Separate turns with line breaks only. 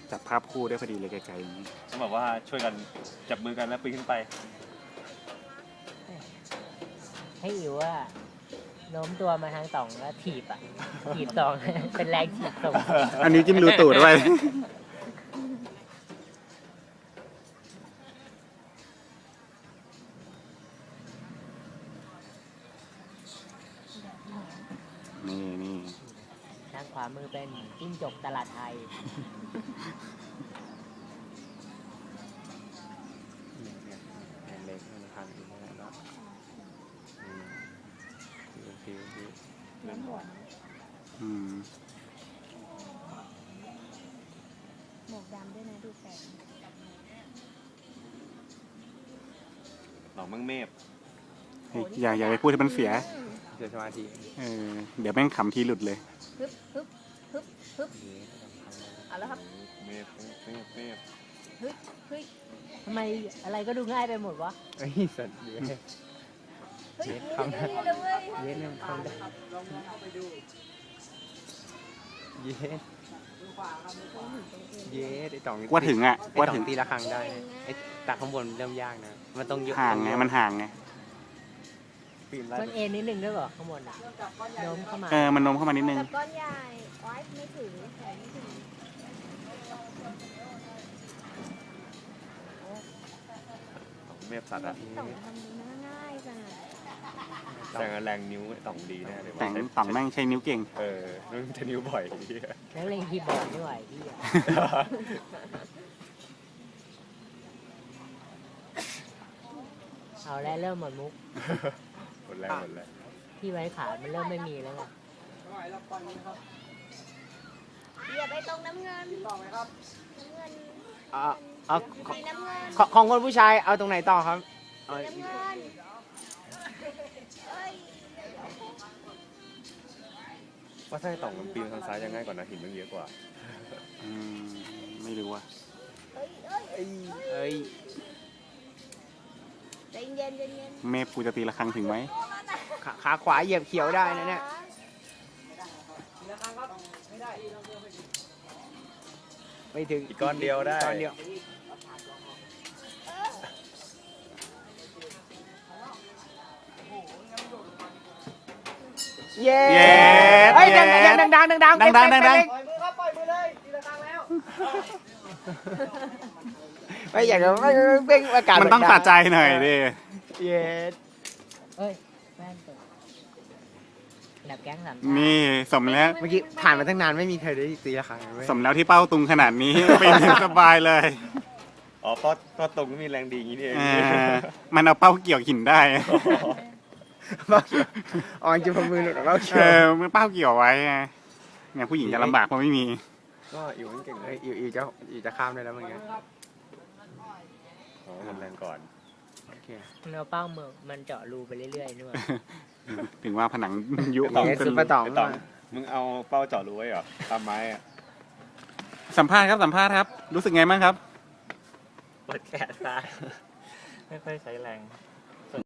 จับภาพคู่ได้พอดีเลยไกลๆอย่างนี้
ต้องแบบว่าช่วยกันจับมือกันแล้วปีนขึ้นไป
ให้อิ๋วว่าโน้มตัวมาทางต่องแล้วถีบถีบต่อง เป็นแรงถีบส่ง
อันนี้จิ้มรูตูดด้วยนี่
ทางขวามือเป็นจิ้งจกตลาดไทย
เล็กๆพันอีกแล้ว
เล่นบวชหมวกดำด้วยนะดูแสง
หนองมังเมฟ
อย่าไปพูดให้มันเสีย
สมาธิ
เดี๋ยวแม่งขำทีหลุดเลย
ฮึบเอาแล้วครับ
เมฟ
เฮ้ย
ทำไมอะไรก็ดูง่ายไปหมดวะ
ไอ้สัตว์เยอะ
เฮ้ยทำได้เลย
เย็ดเนี่ยทำได้เย็ดไอ้ต่อง
ว่าถึงอ่ะ
ว่าถึงตีละครั้งได้ไอ้ตักข้างบนเริ่มยากนะมันต้อง
ห่างไงมันห่างไง
มันเอ็นนิดนึงด้วยเหรอข้างบนโน้มเข้ามา
มันโน้มเข้ามานิดนึง
ก้อนใหญ่ไว้ไม่ถึง
เมฟสัตว์อ่ะ
ต่องทำง่ายจัง
แต่แรงนิ้วต่องดีแน่เลย
แต่ต่องแม่งใช้นิ้วเก่ง
นั่นใช้นิ้วบ่อย
แล้วเล่นคีย์บอร์ดด้วยพี่เอาแล้วเริ่มหมดมุก
หมดแล้ว
ที่ไว้ขามันเริ่มไม่มีแล้วไง
อย่าไปตรงน้ำเงินต่อไหมครับน้ำเงิน
ของคนผู้ชายเอาตรงไหนต่อครับ
น้ำเงิน
ว่าถ้าต่องมันปีนทางซ้ายยังง่ายกว่านะหินมันเยอะกว่า
ไม่รู้ว่ะ
ใจเย็น
เมฟกูจะตีละครั้งถึงไหม
ขาขวาเหยียบเขียวได้นะเนี่ยไม่ถึง
อีกก้อนเดียวได้
เย้เฮ้ยดังปล่อยมือเลยทีละครั้งแล้วไม่อยากจะเบ่งอากาศ
มันต้องสะใจหน่อยดิ
เย้เฮ้ยแม่นตัวแบบแก๊งสาม
นี่สมแล้ว
เมื่อกี้ผ่านมาตั้งนานไม่มีใครได้ตีละครั้ง
สมแล้วที่เป้าตุงขนาดนี้เป็นสบายเลย
เพราะตุงมีแรงดีอย่างนี้เอง
มันเอาเป้าเกี่ยวหินได้
จะพมือหลุดเป้าเกี่ยว
มันเป้าเกี่ยวไว้เนี่ยผู้หญิงจะลำบากเพราะไม่มี
ก็อิ๋วเก่งเลย
อิ๋วจะข้ามได้แล้วเมื่อกี้
มันแรงก่อน
เราเป้าเมืองมันเจาะรูไปเรื่อยๆด้วย
ถึงว่าผนังยุบ
ซุปเปอร์ตอง
มึงเอาเป้าเจาะรูไว้เหรอตามไม้อะ
สัมภาษณ์ครับรู้สึกไงบ้างครับ
ปวดแขนซ้ายไม่ค่อยใช้แรง